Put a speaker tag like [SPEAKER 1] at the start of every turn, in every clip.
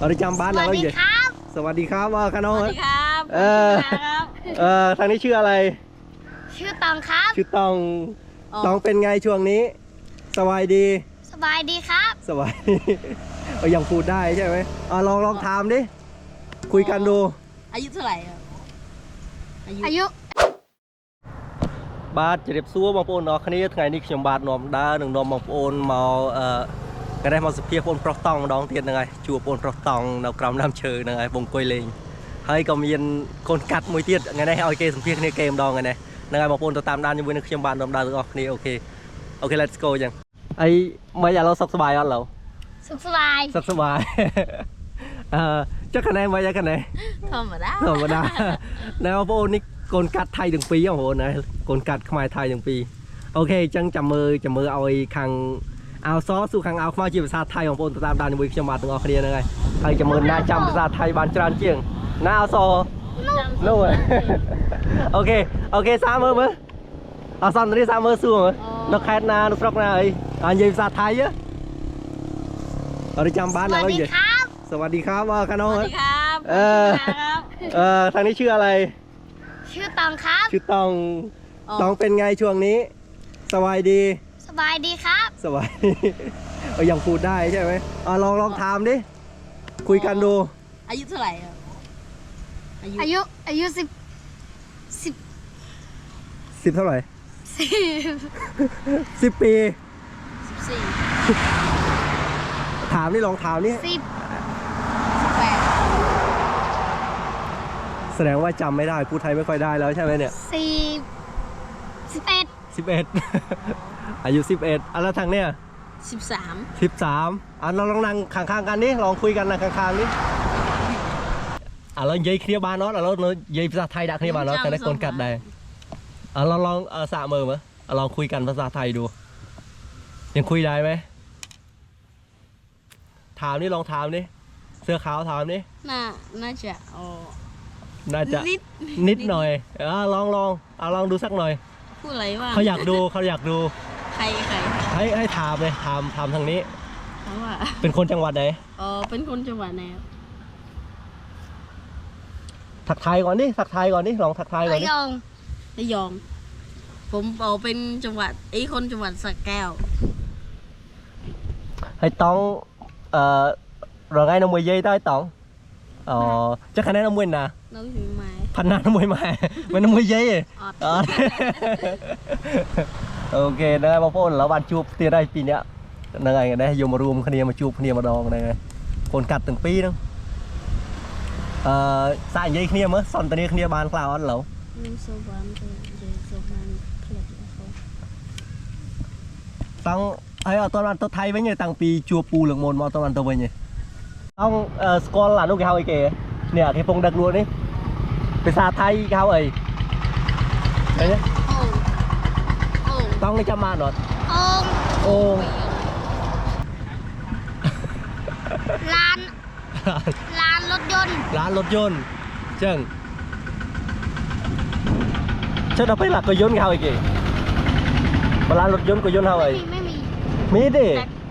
[SPEAKER 1] เอาได้จำบ้านอะไรอยู่สวัสดีครับว่ากันน้อง
[SPEAKER 2] สวัสดีครับ
[SPEAKER 1] ทางนี้ชื่ออะไร
[SPEAKER 2] ชื่อตองครับ
[SPEAKER 1] ชื่อตองตองเป็นไงช่วงนี้สบายดี
[SPEAKER 2] สบายดีครับ
[SPEAKER 1] สบายยังพูดได้ใช่ไหมลองถามดิคุยกันดู
[SPEAKER 2] อายุเท่าไหร่อายุ
[SPEAKER 1] บาทจะเรียบซัวบางปูนคณีไงนี่ขยมบาทนอมดาหนึ่งนอมบางปูนมาก็ได้มาสเปียปูนปลอกตองดองเทียนยังไงชัวปูนปลอกตองนากรำน้ำเชยยังไงบงกอยเลงให้ก็มีคนกัดมวยเทียนไงได้เอาเกมสเปียในเกมดองไงเนี่ยยังไงบางปูนตัวตามด้านยังวิ่งขยมบาทนอมดาตัวนี่โอเค let's go ยังไอ้ไม่อยากเราสุขสบายอ่ะเรา
[SPEAKER 2] สุขสบาย
[SPEAKER 1] จะคะแนนไว้ยังคะแนน
[SPEAKER 2] ธรรมดา
[SPEAKER 1] ในบางปูนนี่กลกัดไทยถึงปีอ่ะโหนะกลกัดขมายไทยถึงปีโอเคจังจำมือเอาไอ้คังเอาซอสู่คังเอามาจีบภาษาไทยของปูนตามด้านวิชามาถึงออกเรียนยังไงใครจะมือหน้าจำภาษาไทยบานจานเจียงหน้าเอาซอนู่นโอเคสามมือเอาซ้ำตรงนี้สามมือสู้มั้ยนกแคทนานกฟรอกนาไอ้อันยีภาษาไทยเยอะเอาได้จำบ้านอะไรอยู่สวัสดีครับว่ากันน้อง
[SPEAKER 2] สวัสดีครับ
[SPEAKER 1] ทางนี้ชื่ออะไร
[SPEAKER 2] ชื่อตองครับ
[SPEAKER 1] ชื่อตองเป็นไงช่วงนี้สบายดี
[SPEAKER 2] ครับ
[SPEAKER 1] สบายยังพูดได้ใช่ไหมลองถามดิคุยกันดู
[SPEAKER 2] อายุเท่าไหร่อายุ
[SPEAKER 1] 10เท่าไหร่10 ปี
[SPEAKER 2] 14
[SPEAKER 1] ถามนี่ลองถามนี่
[SPEAKER 2] 18
[SPEAKER 1] แสดงว่าจำไม่ได้พูดไทยไม่ค่อยได้แล้วใช่ไหมเนี่ย11อายุ11แล้วทางเนี่ย13เราลองนั่งข้างๆกันนี่ลองคุยกันนะข้างๆนี่เราเย้ยเคลียร์บานน็อตเราเย้ยภาษาไทยดักเคลียร์บานน็อตแต่ได้คนกัดได้เราลองสะมือมั้ยลองคุยกันภาษาไทยดูยังคุยได้ไหมถามนี่ลองถามนี่เสื้อขาวถามนี่
[SPEAKER 2] น่าจะ
[SPEAKER 1] นิดหน่อยลองดูสักหน่อย
[SPEAKER 2] พูดอะไรวะ
[SPEAKER 1] เขาอยากดู
[SPEAKER 2] ใคร
[SPEAKER 1] ให้ถามเลยถามทางนี้
[SPEAKER 2] ว่า
[SPEAKER 1] เป็นคนจังหวัดไหน
[SPEAKER 2] เป็นคนจังหวัดไหน
[SPEAKER 1] ทักทายก่อนนี่ลองทักทายก่อนนี่
[SPEAKER 2] ระยองผมเป็นจังหวัดคนจังหวัดสระแก้ว
[SPEAKER 1] ให้ต้องrồi ngay nó mười giây thôi tổng chắc khả năng nó mười nè phần nào nó mười mà nó 10 giây rồi ok đây bác phone là bạn chụp tiền đây pin nhá này đây dùng mà room khnia mà chụp khnia mà đòn này còn cắt từng pi đó xài giây khnia mới son tận đây khnia bàn cloud ăn lẩu tăng ấy ở toàn tôi thay với người tăng pi chua pu lượng môn mà toàn tôi với nhỉ ông score là lúc cái hao ấy kìa nè cái phong đặc luôn đấyไปซาไทยเขาเอ้ยเห็นไหมต้องได้จำมาหน่อยโอ่ง
[SPEAKER 2] ร้านรถยนต์
[SPEAKER 1] เชิงเราไปหลักก็ยนต์เขาอีกกี่ร้านรถยนต์ก็ยนต์เขาเอ้ยมีดิ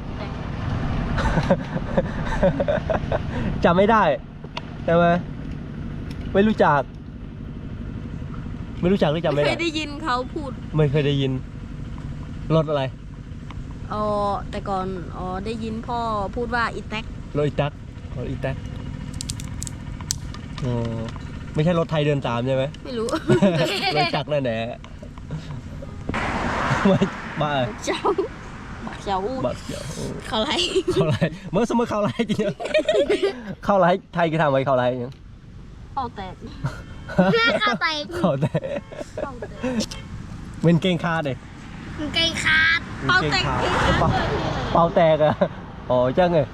[SPEAKER 1] จำไม่ได้ใช่ไหมไม่รู้จักหรือจำไม่ได้
[SPEAKER 2] ไม่เคยได้ยินเขาพูด
[SPEAKER 1] ไม่เคยได้ยินรถอะไร
[SPEAKER 2] แต่ก่อนได้ยินพ่อพูดว่าอีแท็ก
[SPEAKER 1] รถอีแท็กไม่ใช่รถไทยเดินตามใช่ไหม
[SPEAKER 2] ไม่รู้
[SPEAKER 1] รถจักรนั่นแหละไม่บ้า
[SPEAKER 2] เจ้าเขาไล่
[SPEAKER 1] เมื่อสมมติเขาไล่จริงเขาไล่ไทยกี่ทำไว้เขาไล่ยัง
[SPEAKER 2] เขาแตก
[SPEAKER 1] เป็นเก่งคาดเลย
[SPEAKER 2] เป่าแต
[SPEAKER 1] กอะจังไง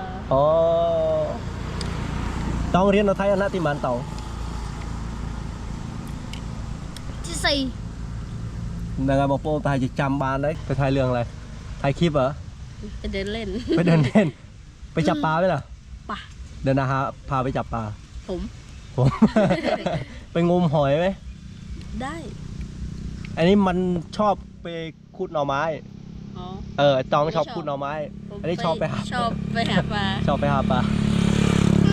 [SPEAKER 1] ต้องเรียนเราไทยอันนั้นที่มันเต่า
[SPEAKER 2] ที่4
[SPEAKER 1] นางบอกโป้ไทยจะจำบานเลยไปถ่ายเรื่องอะไรถ่ายคลิปเหรอ
[SPEAKER 2] ไปเดินเล่น
[SPEAKER 1] ไปจับปลาไหมล่ะ
[SPEAKER 2] ป่ะ
[SPEAKER 1] เดินนะฮะพาไปจับปลา
[SPEAKER 2] ผม
[SPEAKER 1] ไปงมหอยไหม
[SPEAKER 2] ได้
[SPEAKER 1] อันนี้มันชอบไปขุดหน่อไม้ตองชอบขุดหน่อไม้อันนี้ชอบไปหาปลา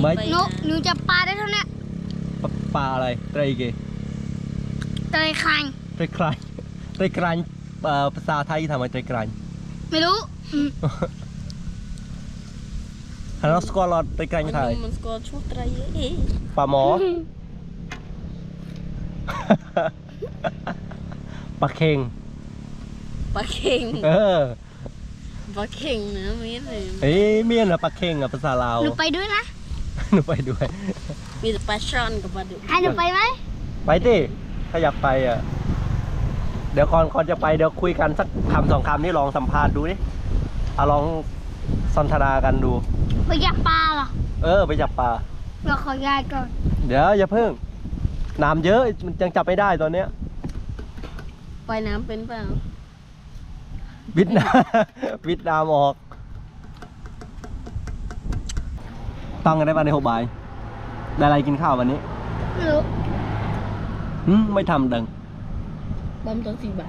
[SPEAKER 1] ไม่
[SPEAKER 3] หนูจะปลาได้เท่านี้
[SPEAKER 1] ปลาอะไรไตรเก
[SPEAKER 3] เตยคาง
[SPEAKER 1] ไตรกรานไตรกรานภาษาไทยทำไมไตรกราน
[SPEAKER 3] ไม่รู้
[SPEAKER 1] ฮัลโหลสกอลอดไตรกรานไทย
[SPEAKER 2] มันสกอร์ชุดไตรเอ้
[SPEAKER 1] ปลาหมอ ปลาเค็ง
[SPEAKER 2] ปลาเข่ง
[SPEAKER 1] เออ
[SPEAKER 2] ปลาเข่งนะมีอะไร
[SPEAKER 1] เอ้ยเมียนอะปลาเค็งอะภาษาลาว
[SPEAKER 3] หนูไปด้วยนะ
[SPEAKER 1] หนูไปด้วย
[SPEAKER 2] มีแต่ปลาช่อนกับปลาดุก
[SPEAKER 3] ให้หนูไปไหม
[SPEAKER 1] ไปดิถ้าอยากไปอ่ะ เดี๋ยวก่อนจะไปเดี๋ยวคุยกันสักคำสองคำนี่ลองสัมภาษณ์ดูดิเอาลองสนทนากันดู
[SPEAKER 3] ไปจับปลาเหรอ
[SPEAKER 1] เออไปจับปลา
[SPEAKER 3] เราขอยายก่อน
[SPEAKER 1] เดี๋ยวอย่าเพิ่งน้ำเยอะมันยังจับไม่ได้ตอนเนี้ย
[SPEAKER 2] ปล่อยน้ำเป็นเปล่า
[SPEAKER 1] วิดน้ำ วิดน้ำออกตั้งกันได้ป่ะใน6 บ่ายได้อะไรกินข้าววันนี้
[SPEAKER 3] ไม่รู้
[SPEAKER 1] ไม่ทำดัง
[SPEAKER 2] บอมตัว4 ใบ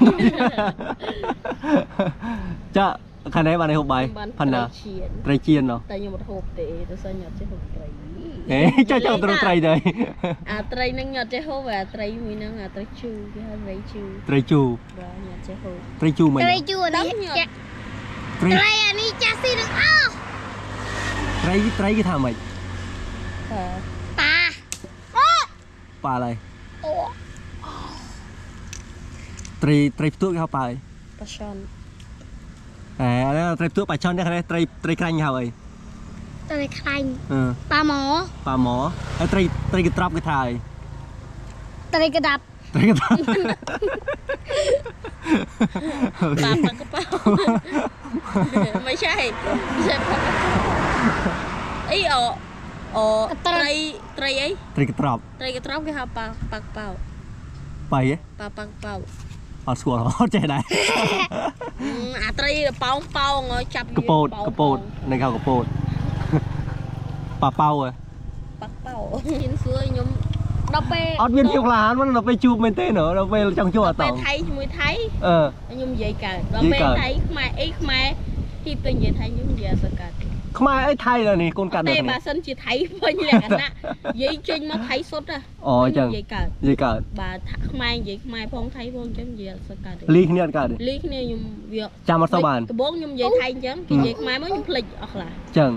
[SPEAKER 1] จะคะแนนมาใน6 ใบพันนา
[SPEAKER 2] เชียน
[SPEAKER 1] ไตรเจียนเหรอ
[SPEAKER 2] แต่ยังหมด6เตะแต่ส่วนใหญ่จะ6ไตร
[SPEAKER 1] เอ๊ะเจ้าตรงไตรเลย
[SPEAKER 2] ไตรนั่งหยอดจะ6ไตรมีนั่งไตรชูที่ให้ไตรชู
[SPEAKER 1] ไตรจู
[SPEAKER 2] ว่าหยอดจะ6
[SPEAKER 1] ไตรจูไหม
[SPEAKER 3] เตยจูอันนี้จะ
[SPEAKER 1] ไตร
[SPEAKER 3] เตยอันนี้จะสีหนึ่งอ้าว
[SPEAKER 1] ไตรกี่ทำไม
[SPEAKER 2] ค่ะ
[SPEAKER 3] ปลาโอ้
[SPEAKER 1] ปลาอะไร
[SPEAKER 3] โอ้
[SPEAKER 1] ไตรตัวเข้าไป
[SPEAKER 2] ปลาช่อน
[SPEAKER 1] แล้วไตรตัวปลาช่อนได้คะแนนไตรกรันเข้าไป
[SPEAKER 3] เตยคาง
[SPEAKER 1] ป
[SPEAKER 3] ปลาหมอ
[SPEAKER 1] ลาหมอไตรกระตรับกระทาย
[SPEAKER 3] เตยกระดับ
[SPEAKER 1] ไตรกระตรับ
[SPEAKER 2] ปลากระเป๋าไม่ใช่ปลากระเป๋าไอ้ไตรไอ้
[SPEAKER 1] ไตรกระตรับ
[SPEAKER 2] ไตรกระตรับคือปลากระเป๋า
[SPEAKER 1] ไปเอ๊ะ
[SPEAKER 2] ปลากระเป๋า
[SPEAKER 1] เอาสกอร์เข้าใจได้
[SPEAKER 2] ไตรเป่าเงยจับ
[SPEAKER 1] กระโปดในข้าวกระโปดปลาเป้าอะ
[SPEAKER 2] ปลาเป่ายินสวยยมเราไป
[SPEAKER 1] ออดเวียนเที่ยวร้านมันเราไปจูบเมนเต้เหรอเราไปจังจั่ว
[SPEAKER 2] ไป
[SPEAKER 1] ต่อ
[SPEAKER 2] ไทยมวยไทย
[SPEAKER 1] เออ
[SPEAKER 2] ยมใหญ่กันเราไปไทยมาไอ้มาที่เป็นใหญ่ไทยยมใหญ่สกัด
[SPEAKER 1] ขมายไอ้ไทยเลยนี่คนกัน
[SPEAKER 2] แต่
[SPEAKER 1] เลย
[SPEAKER 2] บา
[SPEAKER 1] นี่
[SPEAKER 2] สันจีไทยเป็นอย่างนั้นนะใหญ่จริงมาไทยสดอ่ะ
[SPEAKER 1] อ๋อจัง
[SPEAKER 2] ใหญ่กัน
[SPEAKER 1] ยี่กัด
[SPEAKER 2] บามาใหญ่มาพองไทยพองจังใหญ่สกัด
[SPEAKER 1] ลีกเนี่ยกัด
[SPEAKER 2] ลีกเนี่ยยมเวีย
[SPEAKER 1] จามาสบาน
[SPEAKER 2] กระบอกยมใหญ่ไทยจังใหญ่มาไม่ยมผลิตออกละ
[SPEAKER 1] จัง